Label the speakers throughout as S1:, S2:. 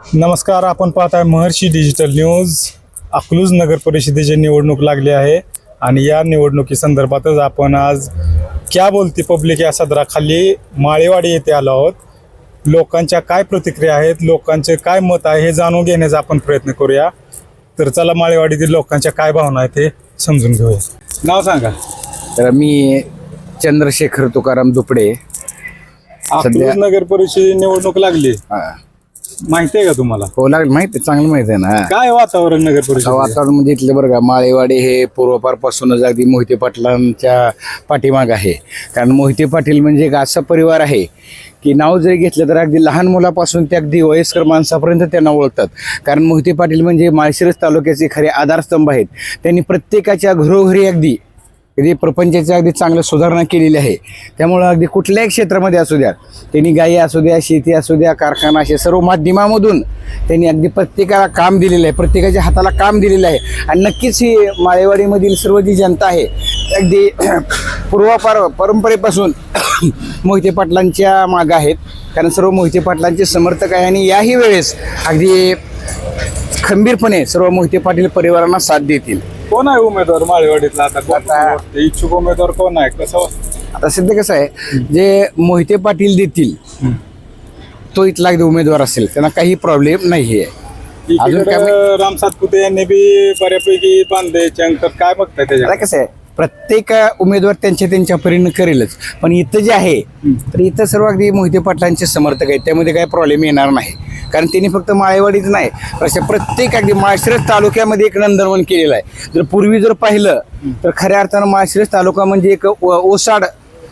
S1: नमस्कार, आपण पाहताय महर्षी डिजिटल न्यूज. अकलूज नगर परिषदेची निवडणूक लागली आहे आणि या निवडणुकी संदर्भातच आपण आज क्या बोलती पब्लिक या सदराखाली माळेवाडी येथे आलो आहोत. लोकांच्या काय प्रतिक्रिया आहेत, लोकांचे काय मत आहे हे जाणून घेण्याचा आपण प्रयत्न करूया. तर चला माळेवाडीतील लोकांच्या काय भावना आहेत हे समजून घेऊया. नाव सांगा.
S2: तर मी चंद्रशेखर तुकाराम दुपडे.
S1: अकलूज नगर परिषद निवडणूक लागली, माहिती आहे का तुम्हाला?
S2: हो, लागलं माहिती आहे, चांगलं माहिती आहे ना.
S1: काय वातावरण नगर परिषद?
S2: वातावरण म्हणजे इथलं बरं का, माळेवाडी हे पूर्वपारपासूनच अगदी मोहिते पाटलांच्या पाठीमाग आहे. कारण मोहिते पाटील म्हणजे एक असा परिवार आहे की नाव जरी घेतलं तर अगदी लहान मुलापासून ते अगदी वयस्कर माणसापर्यंत त्यांना ओळखतात. कारण मोहिते पाटील म्हणजे माळशिरस तालुक्याचे खरे आधारस्तंभ आहेत. त्यांनी प्रत्येकाच्या घरोघरी अगदी प्रपंचाची अगदी चांगलं सुधारणा केलेली आहे. त्यामुळं अगदी कुठल्याही क्षेत्रामध्ये असू द्या, त्यांनी गायी असू द्या, शेती असू द्या, कारखाना, असे सर्व माध्यमामधून त्यांनी अगदी प्रत्येकाला काम दिलेलं आहे, प्रत्येकाच्या हाताला काम दिलेलं आहे. आणि नक्कीच ही माळेवाडीमधील सर्व जी जनता आहे अगदी परंपरेपासून मोहिते पाटलांच्या मागं आहेत. कारण सर्व मोहिते पाटलांचे समर्थक आहे आणि याही वेळेस अगदी खंबीरपणे सर्व मोहिते पाटील परिवारांना साथ देतील.
S1: कोण आहे उमेदवार माळेवाडीतला? आता इच्छुक उमेदवार कोण आहे? कसं
S2: आता सध्या कसं आहे, जे मोहिते पाटील देतील तो इथला अगदी उमेदवार असेल, त्यांना काही प्रॉब्लेम नाही आहे.
S1: अजून काय राम सातपुते यांनी बी बऱ्यापैकी बांधले चंक, काय बघताय त्याच्यात?
S2: कसं आहे, प्रत्येक उमेदवार त्यांच्या परीने करेलच. पण इथं जे आहे तर इथं सर्व अगदी मोहिते पाटलांचे समर्थक आहेत, त्यामध्ये काही प्रॉब्लेम येणार नाही. कारण त्यांनी फक्त माळेवाडीच नाही, अशा प्रत्येक अगदी माळशिरस तालुक्यामध्ये एक नंदनवन केलेलं आहे. जर पूर्वी जर पाहिलं तर खऱ्या अर्थानं माळशिरस तालुका म्हणजे एक ओसाड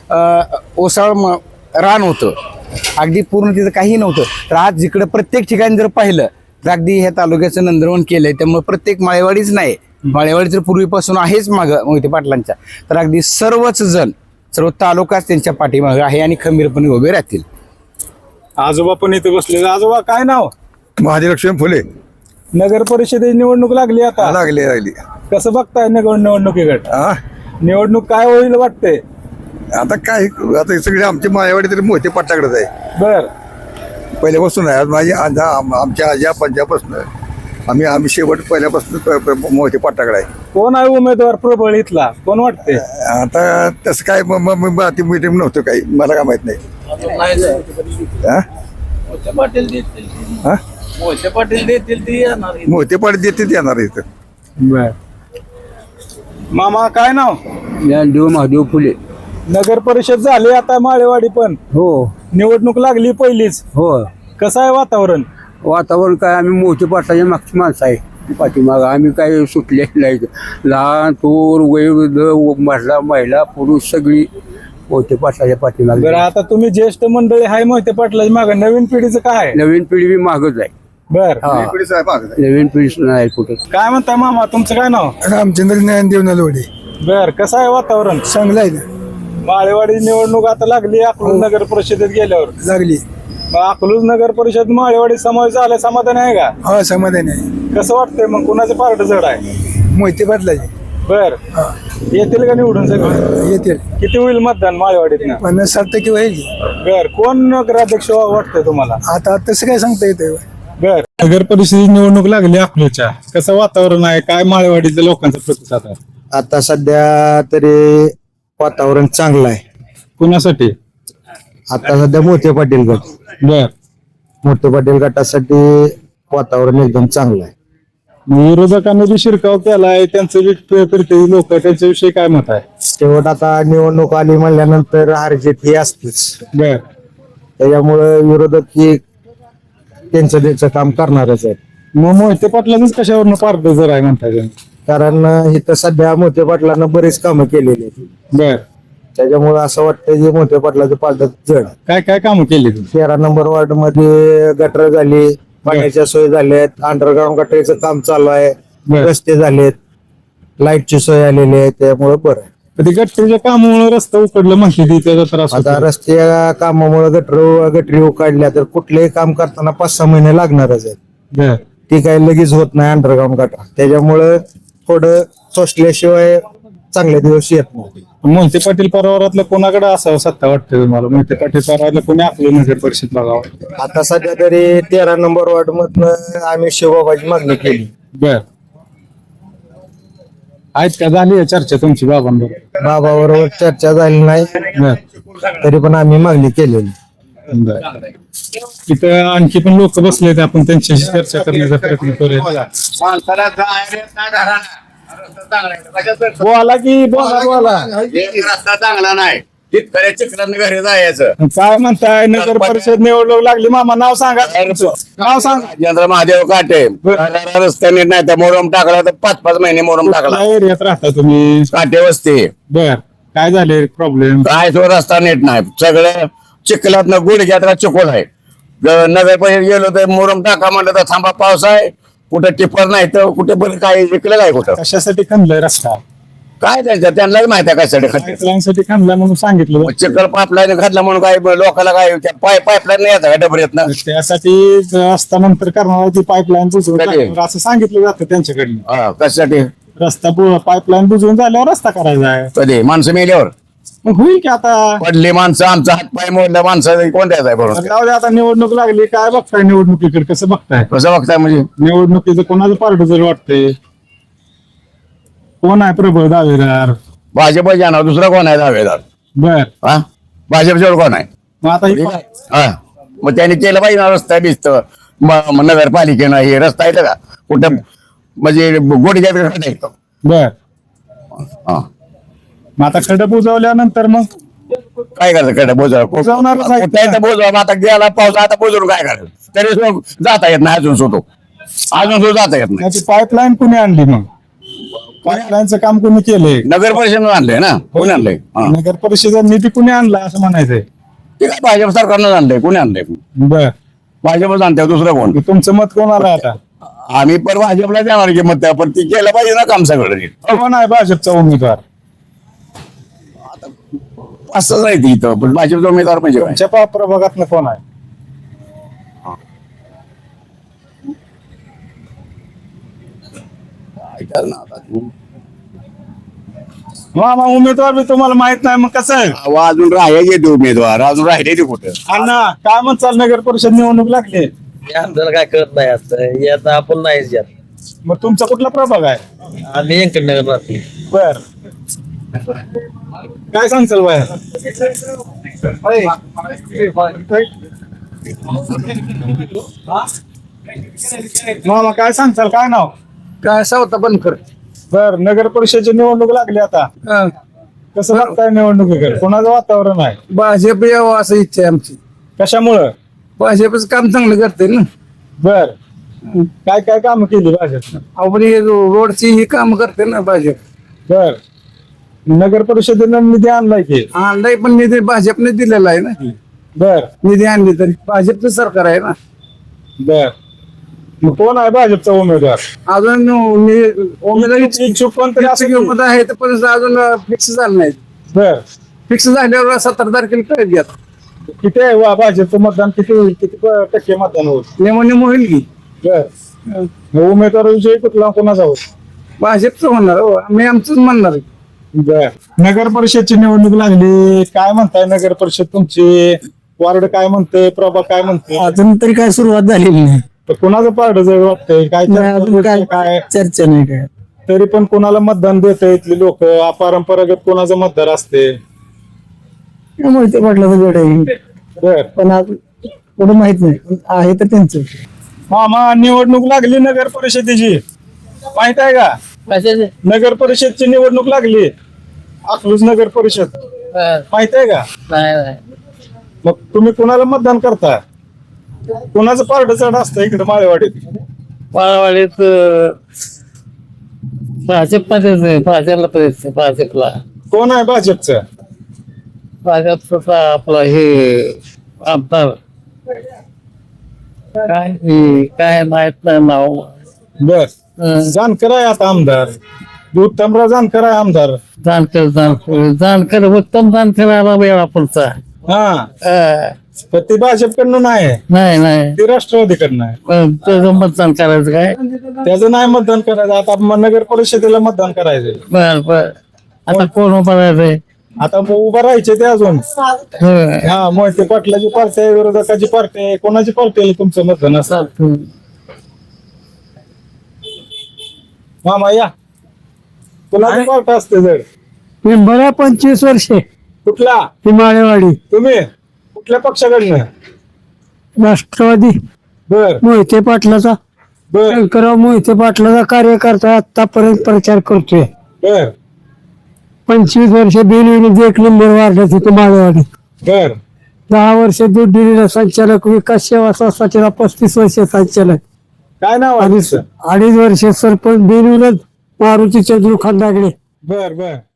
S2: रान होतं, अगदी पूर्ण तिथं काही नव्हतं. तर आज जिकडं प्रत्येक ठिकाणी जर पाहिलं तर अगदी ह्या तालुक्याचं नंदनवन केलंय. त्यामुळे प्रत्येक माळेवाडीच नाही, माळेवाडी जर पूर्वीपासून आहेच मागं मोहिते पाटलांच्या, तर अगदी सर्वच जण, सर्व तालुकाच त्यांच्या पाठीमागं आहे आणि खंबीरपणे उभे राहतील.
S1: आजोबा पण इथे बसले. आजोबा काय नाव?
S3: महालक्ष्मी फुले.
S1: नगर परिषदेची निवडणूक लागली आता.
S3: लागली.
S1: कसं बघताय निवडणुकीकडे? निवडणूक काय होईल वाटते?
S3: आता काय, आता सगळे आमची मायावाडी तरी मोहिते पाटलाकडेच आहे.
S1: बर,
S3: पहिल्यापासून आहे. माझी आमच्या आज्या पंजापासून आम्ही शेवट पहिल्यापासून मोहिते पाटलाकडे आहे.
S1: कोण आहे उमेदवार प्रबळ इथला? कोण वाटते?
S3: आता तसं काय मीटिंग नव्हतं काही, मला काय माहित नाही.
S4: मोहिते पाटील देतील ती येणार.
S3: मोहिते पाटील देते येणार इथं.
S1: बर, मामा काय नाव?
S4: ज्ञानदेव महादेव फुले.
S1: नगर परिषद झाली आता माळेवाडी पण.
S4: हो
S1: निवडणूक लागली पहिलीच.
S4: हो,
S1: कसं आहे वातावरण?
S4: वातावरण काय, आम्ही मोहिते पाटलाच्या मागची माणसं आहे पाठीमाग. आम्ही काय सुटले नाही. लहान थोर वयोवृद्ध महिला पुरुष सगळी मोहिते पाटलाच्या पाठीमाग.
S1: बरं, आता तुम्ही ज्येष्ठ मंडळी आहे मोहिते पाटलाच्या मागे, नवीन पिढीचं काय आहे?
S4: नवीन पिढी बी मागच आहे.
S1: बर,
S4: नवीन पिढी नाही कुठे.
S1: काय म्हणताय मामा, तुमचं काय नाव?
S3: रामचंद्र ज्ञानदेव नलवडे.
S1: बर, कसं आहे वातावरण?
S3: चांगलं आहे.
S1: माळेवाडी निवडणूक आता लागली अकलूज नगर परिषदेत गेल्यावर.
S3: लागली.
S1: मग अकलूज नगर परिषद माळेवाडी समावेश झाला, समाधान आहे का?
S3: हा, समाधान आहे.
S1: कसं वाटतंय मग, कुणाचं पार्ट जड आहे?
S3: मोहिते पाटलाचे.
S1: बर, येतील का निवडून सगळं?
S3: येतील.
S1: किती होईल मतदान माळेवाडीत?
S3: 50-60% होईल.
S1: बर, कोण नगराध्यक्ष वाटतंय तुम्हाला?
S3: आता तसं काय सांगता येतं.
S1: बर, नगर परिषदेची निवडणूक लागली अकलूजच्या, कसं वातावरण आहे, काय माळेवाडीच्या लोकांचा प्रतिसाद आहे?
S5: आता सध्या तरी वातावरण चांगलं आहे.
S1: कुणासाठी?
S5: आता सध्या मोठे पाटील गट,
S1: बर,
S5: मोठे पाटील गटासाठी वातावरण एकदम चांगलं आहे.
S1: विरोधकांनी बी शिरकाव केलाय, त्यांचं बी लोक, त्यांच्याविषयी काय मत आहे?
S5: शेवट आता निवडणूक आली म्हणल्यानंतर हारजीत ही असतेच.
S1: बर,
S5: त्याच्यामुळं विरोधक ही त्यांचं काम करणारच आहे.
S1: मग मोहिते पाटलाच कशावरनं पार्ट जर आहे म्हणताय?
S5: कारण इथं सध्या मोठे पाटलांना बरेच कामं केलेली आहेत.
S1: बर,
S5: त्याच्यामुळे असं वाटतं की मोठे पाटलाचं पालट जड.
S1: काय काय कामं केली तुम्ही?
S5: 13 नंबर वॉर्ड मध्ये गटर झाली, पाण्याच्या सोय झाल्यात, अंडरग्राऊंड गटरीचं काम चालू आहे, रस्ते झालेत, लाईटची सोय आलेली आहे. त्यामुळे बरं आहे.
S1: ते गटरीच्या कामामुळे रस्ता उकडलं म्हणते, त्याचा त्रास
S5: आता
S1: होतो.
S5: रस्ते कामामुळे गटरी उकाडल्या तर कुठलेही काम करताना 5-6 महिने लागणारच आहेत.
S1: बर,
S5: ती काही लगेच होत नाही अंडरग्राऊंड गटर. त्याच्यामुळे थोडं सोसल्याशिवाय चांगले दिवस येत नाही.
S1: मोहिते पाटील परिवारातलं कोणाकडे असावं सत्ता वाटतं तुम्हाला? मोहिते पाटील परिवारातलं कोणी आपलं नगर परिषद बघावं?
S5: आता सध्या तरी 13 नंबर वॉर्ड मधनं आम्ही शिवबाबाची मागणी केली.
S1: बर, आहेत का? झाली आहे चर्चा तुमची बाबांबरोबर?
S5: बाबाबरोबर चर्चा झाली नाही,
S1: बर
S5: तरी पण आम्ही मागणी केलेली.
S1: बर. तिथं आणखी पण लोक बसलेत, आपण त्यांच्याशी चर्चा करण्याचा प्रयत्न करूया. बोला की बोला.
S2: रस्ता चांगला नाही, तिथपर्यंत चिखलात घरी जायचं.
S1: काय म्हणताय? नगर परिषद निवडणूक लागली. मामा नाव सांगा तुमचं. नाव सांगा.
S2: राजेंद्र महादेव काटे. रस्ता नीट नाही, तर मोरम टाकला तर 5-5 महिने मोरम टाकला.
S1: कुठल्या एरियात राहता तुम्ही?
S2: काटे वस्ती.
S1: बर, काय झाले प्रॉब्लेम?
S2: काय तो रस्ता नीट नाही, सगळं चिखलात गुडघ्यात चिखल आहे. नगर परिषद गेलो तर मोरम टाका म्हणलं तर थांबा, पाऊस आहे, कुठं टिप्पर नाही तर कुठे पण काय विकलं काय कुठं
S1: कशासाठी खणलाय रस्ता?
S2: काय त्यांचं त्यांनाच माहिती आहे कशासाठी खाते.
S1: पाईपलाईनसाठी खणलाय म्हणून सांगितलं.
S2: चिखल पाईपलाईन घातला म्हणून काय लोकांना काय पाईपलाईन नाही येतं डबऱ्यात ना.
S1: त्यासाठी रस्ता नंतर करणार ती पाईपलाईन बुजवून
S2: कधी?
S1: टाकणार असं सांगितलं जातं त्यांच्याकडनं.
S2: कशासाठी?
S1: रस्ता पाईपलाईन बुजवून झाल्यावर रस्ता करायचा आहे.
S2: कधी माणसं मेल्यावर
S1: मग होईल की आता?
S2: पडली माणसं, आमचा हात पाय मोडला माणसं कोणत्याच आहे बरोबर.
S1: जाऊ दे, आता निवडणूक लागली. काय बघताय निवडणुकीकडे? कसं बघताय
S2: कसं बघताय म्हणजे?
S1: निवडणुकीचं कोणाचं पार्ट जर वाटतंय? कोण आहे प्रबळ दावेदार?
S2: भाजप जाणार, दुसरा कोण आहे दावेदार?
S1: बर,
S2: हा, भाजपच्यावर कोण आहे?
S1: मग आता ही
S2: हा, मग त्यांनी केलं पाहिजे ना रस्ता बिस्त. नगरपालिकेनं हे रस्ता येतं का कुठं? म्हणजे गोडीच्या खड्डा येतो.
S1: बर,
S2: हा,
S1: मग आता खडं बुजवल्यानंतर मग
S2: काय करायचं कडे
S1: बुजवणारच आहे.
S2: बोजवा बोजवा, आता गेला पाऊस, आता बोजून काय करायचं? तरी सुद्धा जाता येत नाही अजून सुद्धा जाता येत नाही.
S1: ती पाईपलाईन कुणी आणली? मग पाईपलाईनचं काम कुणी केलंय?
S2: नगर परिषदेनं आणलंय ना. कोणी आणलंय? हा.
S1: नगर परिषदेचा निधी कुणी आणला असं म्हणायचंय?
S2: ते काय भाजप सरकारनं आणलंय? कोणी आणलंय?
S1: बर,
S2: भाजपच आणतंय, दुसरं कोण?
S1: तुमचं मत कोणाला आहे आता?
S2: आम्ही पण भाजपला देणार की मत, पण ती केलं पाहिजे ना काम सगळं नीट.
S1: कोण आहे भाजपचा उमेदवार?
S2: असंच आहे ती इथं, पण भाजपचा उमेदवार म्हणजे काय?
S1: तुमच्या प्रभागातनं कोण आहे?
S2: काय करणार आता तू?
S1: मामा उमेदवार बी तुम्हाला माहित नाही, मग कसं आहे?
S2: अहो, अजून राहायचे ते उमेदवार, अजून राहिले ते कुठं?
S1: अण्णा काय म्हणचाल? नगर परिषद निवडणूक लागली.
S6: आपल्याला काय कळत नाही आता यात आपण नाहीच यात
S1: मग तुमचा कुठला प्रभाग आहे?
S6: आम्ही व्यंकटनगर राहतो.
S1: बर, काय सांगचाल बाहेर? मामा काय सांगचाल? काय नाव?
S4: काय सावता बनकर.
S1: बर, नगर परिषदेची निवडणूक लागली आता. कसं बघताय निवडणुकीकडे? कोणाचं वातावरण आहे?
S4: भाजप यावं असं इच्छा आहे आमची.
S1: कशामुळं?
S4: भाजपच काम चांगलं करते ना.
S1: बर, काय काय काम केली भाजपनं?
S4: आपण हे रोडची ही काम करते ना भाजप.
S1: बर, नगर परिषदेनं निधी आणलाय की?
S4: आणलाय पण निधी भाजपने दिलेला आहे ना.
S1: बर
S4: निधी आणली तरी भाजपचं सरकार आहे ना.
S1: बर, मग कोण आहे भाजपचा उमेदवार?
S4: अजून उमेदवारी
S1: इच्छुक कोणतरी असेल की?
S4: मत आहे तर पण अजून फिक्स झालं नाही.
S1: बर,
S4: फिक्स झाल्यावर 17 तारखेला कळत घ्या.
S1: किती आहे वाभाजपचं मतदान? किती होईल? किती टक्के मतदान होईल?
S4: नेमो होईल की
S1: बर, मग उमेदवाराविषयी कुठला कोणाचा होईल?
S4: भाजपचं होणार हो. आम्ही आमचंच म्हणणार आहे.
S1: बर, नगर परिषदची निवडणूक लागली. काय म्हणताय? नगर परिषद तुमची वार्ड काय म्हणते? प्रभाग काय म्हणते?
S7: अजून तरी काय सुरुवात झालेली नाही.
S1: तर कोणाचं पारड जर वाटतंय? काय
S7: अजून
S1: काय
S7: काय
S1: काय
S7: चर्चा नाही काय.
S1: तरी पण कोणाला मतदान देत इथली लोक? अपरंपरागत कोणाचं मतदार असते?
S7: मोहिते पाटलाचं गड आहे
S1: बर,
S7: पण अजून पुढे माहित नाही. पण आहे तर त्यांचं.
S1: मामा निवडणूक लागली नगर परिषदेची, माहित आहे का? नगर परिषदची निवडणूक लागली, अकलूज नगर परिषद, माहित आहे का?
S6: नाही
S1: मग तुम्ही कोणाला मतदान करता? कोणाचं पारड चढ असतं इकडे माळेवाडीत?
S6: पाळवाडीत भाजपला
S1: कोण आहे भाजपचं?
S6: भाजपचा आपला हे आमदार काय माहित नाही नाव.
S1: बर, जानकर आहे आता आमदार. उत्तमराव जानकर आहे आमदार.
S6: जानकर उत्तम जानकर आला वेळा पुढचा.
S1: हा, पण ते भाजपकडनं नाही,
S6: नाही
S1: ते राष्ट्रवादीकडनं आहे.
S6: पण त्याचं मतदान करायचं काय?
S1: त्याचं नाही मतदान करायचं. आता नगर परिषदेला मतदान करायचं.
S6: बर आता कोण उभा राहायचंय?
S1: आता मग उभं राहायचे ते अजून
S6: होय.
S1: हा मोहिते पाटलाची पार्टी आहे, विरोधकाची पार्टी आहे, कोणाची पार्टी आहे तुमचं मतदान असं? मामा या, कुणाची पार्टी असते जर?
S7: मी बऱ्या 25 वर्षे
S1: कुठला?
S7: हिमाळेवाडी
S1: तुम्ही कुठल्या पक्षाकडनं?
S7: राष्ट्रवादी
S1: बर
S7: मोहिते पाटलाचा
S1: बर
S7: शंकरराव मोहिते पाटलाचा कार्यकर्ता आतापर्यंत प्रचार करतोय.
S1: बर
S7: 25 वर्ष बिनविरोधी 1 नंबर वाढला तिथे माळेवाडी.
S1: बर
S7: 10 वर्ष दूध डेअरीला संचालक, विकास सेवा सोसायटीला 35 वर्ष संचालक,
S1: काय नाव आहे तुमचं?
S7: 2.5 वर्ष सरपंच बिनविरोध मारुती चंद्रू खंदागडे.
S1: बर बर